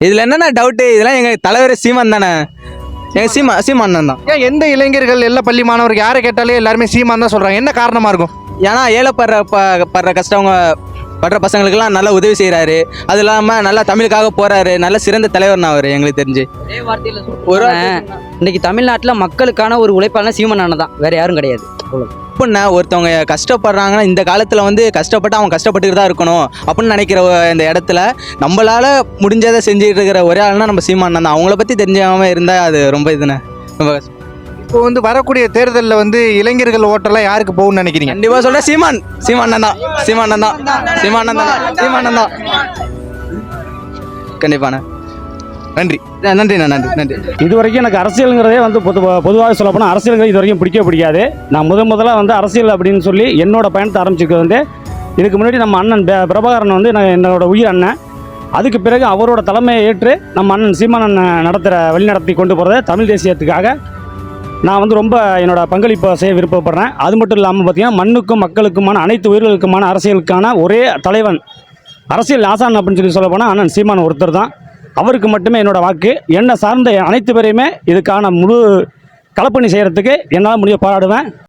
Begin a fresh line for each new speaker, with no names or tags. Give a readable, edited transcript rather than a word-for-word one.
இதில் என்னென்ன டவுட்டு, இதெல்லாம் எங்கள் தலைவர் சீமான் தானே. எங்கள் சீமான் தான்.
ஏன் எந்த இளைஞர்கள் எல்லா பள்ளி மாணவர்கள் யாரை கேட்டாலே எல்லாருமே சீமான் தான் சொல்றாங்க, என்ன காரணமா இருக்கும்?
ஏன்னா ஏழைப்படுற கஷ்டவங்க படுற பசங்களுக்கெல்லாம் நல்லா உதவி செய்கிறாரு. அது இல்லாமல் நல்லா தமிழுக்காக போகிறாரு. நல்ல சிறந்த தலைவர்னா அவர் எங்களுக்கு தெரிஞ்சு. ஒரு
இன்னைக்கு தமிழ்நாட்டில் மக்களுக்கான ஒரு உழைப்பாளர் சீமான் அண்ணன் தான், வேற யாரும் கிடையாது.
அப்படின்னா ஒருத்தவங்க கஷ்டப்படுறாங்கன்னா இந்த காலத்தில் வந்து கஷ்டப்பட்டு அவங்க கஷ்டப்பட்டுட்டு தான் இருக்கணும் அப்படின்னு நினைக்கிற இந்த இடத்துல நம்மளால் முடிஞ்சதை செஞ்சுட்டு இருக்கிற ஒரே ஆள்னா நம்ம சீமான் தான். அவங்கள பற்றி தெரிஞ்சாமல் இருந்தால் அது ரொம்ப இதுண்ணே, ரொம்ப கஷ்டம்.
இப்போ வந்து வரக்கூடிய தேர்தலில் வந்து இளைஞர்கள் ஓட்டெல்லாம் யாருக்கு போகும்னு நினைக்கிறீங்க?
கண்டிப்பாக சொல்கிறேன் சீமான் தான் கண்டிப்பாண்ணே.
நன்றி.
நன்றிண்ணா, நன்றி.
இது வரைக்கும் எனக்கு அரசியலுங்கிறதே வந்து பொதுவாக சொல்ல போனால் அரசியலுங்கிறது இது வரைக்கும் பிடிக்காது. நான் முதல்ல வந்து அரசியல் அப்படின்னு சொல்லி என்னோட பயணத்தை ஆரம்பிச்சிருக்கிறது வந்து இதுக்கு முன்னாடி நம்ம அண்ணன் பிரபாகரன் வந்து என்னோட உயிர் அண்ணன். அதுக்கு பிறகு அவரோட தலைமையை ஏற்று நம்ம அண்ணன் சீமான் அண்ணன் வழிநடத்தி கொண்டு போகிறத தமிழ் தேசியத்துக்காக நான் வந்து ரொம்ப என்னோட பங்களிப்பை செய்ய விருப்பப்படுறேன். அது மட்டும் இல்லாமல் பார்த்திங்கன்னா மண்ணுக்கும் மக்களுக்குமான அனைத்து உயிர்களுக்குமான அரசியலுக்கான ஒரே தலைவன், அரசியல் ஆசான் அப்படின்னு சொல்லி சொல்ல போனால் அண்ணன் சீமான் ஒருத்தர் தான். அவருக்கு மட்டுமே என்னோடய வாக்கு. என்னை சார்ந்த அனைத்து பேரையுமே இதுக்கான முழு களப்பணி செய்கிறதுக்கு என்னால் முடிய போராடுவேன்.